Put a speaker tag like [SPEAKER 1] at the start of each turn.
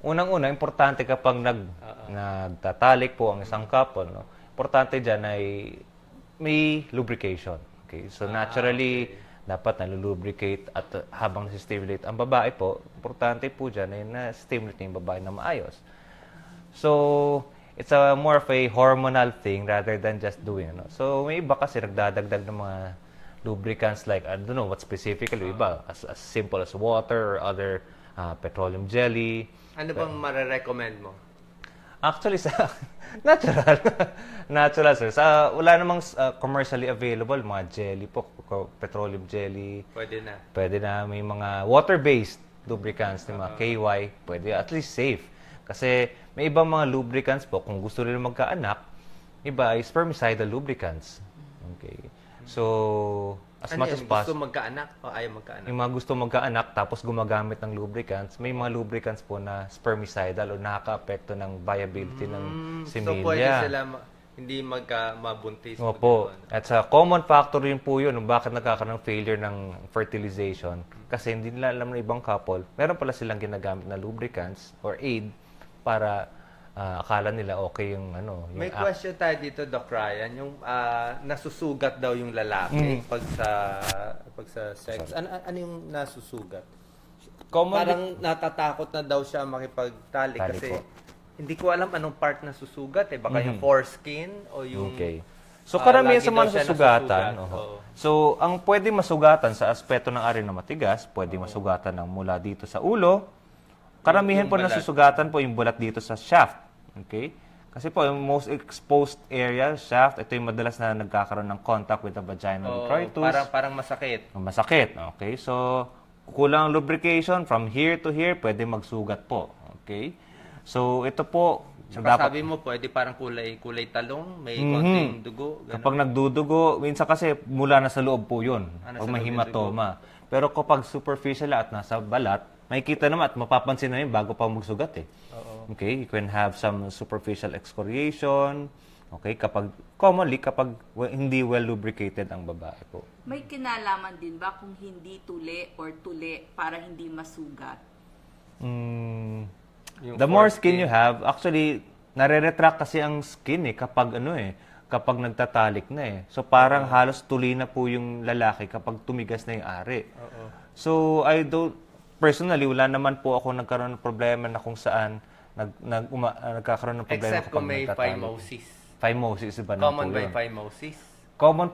[SPEAKER 1] unang-una, importante kapag nagtatalik po ang isang couple, no? Importante dyan ay may lubrication. Okay? So naturally, dapat nalulubricate at habang nasi-stimulate ang babae po, importante po dyan ay na-stimulate yung babae na maayos. So, it's a more of a hormonal thing rather than just doing, no? So, may iba kasi nagdadagdag ng mga lubricants like, I don't know what specifically, iba, as simple as water or other petroleum jelly.
[SPEAKER 2] Ano bang mare-recommend mo?
[SPEAKER 1] Actually, sa natural. Natural, sir. Wala namang commercially available, mga jelly po, petroleum jelly.
[SPEAKER 2] Pwede na.
[SPEAKER 1] Pwede na, may mga water-based lubricants, mga KY, pwede at least safe. Kasi may ibang mga lubricants po, kung gusto nila magkaanak, iba ay spermicidal lubricants. Okay. So, as
[SPEAKER 2] Ano
[SPEAKER 1] much
[SPEAKER 2] yan?
[SPEAKER 1] as possible,
[SPEAKER 2] Gusto magkaanak o ayaw magkaanak?
[SPEAKER 1] yung mga gusto magkaanak tapos gumagamit ng lubricants, may mga lubricants po na spermicidal o nakaka-apekto ng viability ng
[SPEAKER 2] So, pwede
[SPEAKER 1] similya.
[SPEAKER 2] sila hindi mabuntis.
[SPEAKER 1] Opo. At sa common factor rin po yun kung bakit nagkakaroon ng failure ng fertilization. Kasi hindi nila alam ng ibang couple, meron pala silang ginagamit na lubricants or aid para akala nila okay yung ano. Yung
[SPEAKER 2] May question tayo dito, Doc Ryan. Yung nasusugat daw yung lalaki pag sa sex. Ano yung nasusugat? Parang natatakot na daw siya makipagtalik
[SPEAKER 1] Tali
[SPEAKER 2] kasi
[SPEAKER 1] po.
[SPEAKER 2] hindi ko alam anong part na susugat eh. Baka yung foreskin o yung...
[SPEAKER 1] Okay. So, karamihan
[SPEAKER 2] lagi
[SPEAKER 1] sa
[SPEAKER 2] daw
[SPEAKER 1] mga
[SPEAKER 2] siya
[SPEAKER 1] nasusugatan,
[SPEAKER 2] nasusugat. Oo.
[SPEAKER 1] so, ang pwede masugatan sa aspeto ng ari na matigas, pwede masugatan ng mula dito sa ulo. Karamihan
[SPEAKER 2] Yung
[SPEAKER 1] po
[SPEAKER 2] balat.
[SPEAKER 1] nasusugatan po yung bulat dito sa shaft. Okay? Kasi po, yung most exposed area, shaft, ito yung madalas na nagkakaroon ng contact with the vaginal detritus.
[SPEAKER 2] Parang masakit.
[SPEAKER 1] Masakit. Okay? So, kulang ang lubrication from here to here, pwede magsugat po. Okay? So, ito po,
[SPEAKER 2] Saka sabi mo, pwede parang kulay talong, may konting dugo. Ganun.
[SPEAKER 1] kapag nagdudugo, minsan kasi mula na sa loob po yun.
[SPEAKER 2] Nasa
[SPEAKER 1] Pag may
[SPEAKER 2] loob yung
[SPEAKER 1] hematoma. Pero kapag superficial at nasa balat, makikita naman at mapapansin na yun bago pa magsugat eh. Okay, you can have some superficial excoriation. Okay, commonly kapag hindi well lubricated ang babae po.
[SPEAKER 3] May kinalaman din ba kung hindi tuli or tuli para hindi masugat?
[SPEAKER 1] The more skin you have, actually, nare-retract kasi ang skin eh kapag kapag nagtatalik na eh. So parang halos tuli na po yung lalaki kapag tumigas na yung ari. So personally, wala naman po ako nagkaroon ng problema na kung saan nagkakaroon ng problema
[SPEAKER 2] Except
[SPEAKER 1] kapag
[SPEAKER 2] kung may
[SPEAKER 1] nagtatalik.
[SPEAKER 2] phimosis.
[SPEAKER 1] Phimosis, iba na
[SPEAKER 2] Common
[SPEAKER 1] po
[SPEAKER 2] by
[SPEAKER 1] yun.
[SPEAKER 2] phimosis.
[SPEAKER 1] Common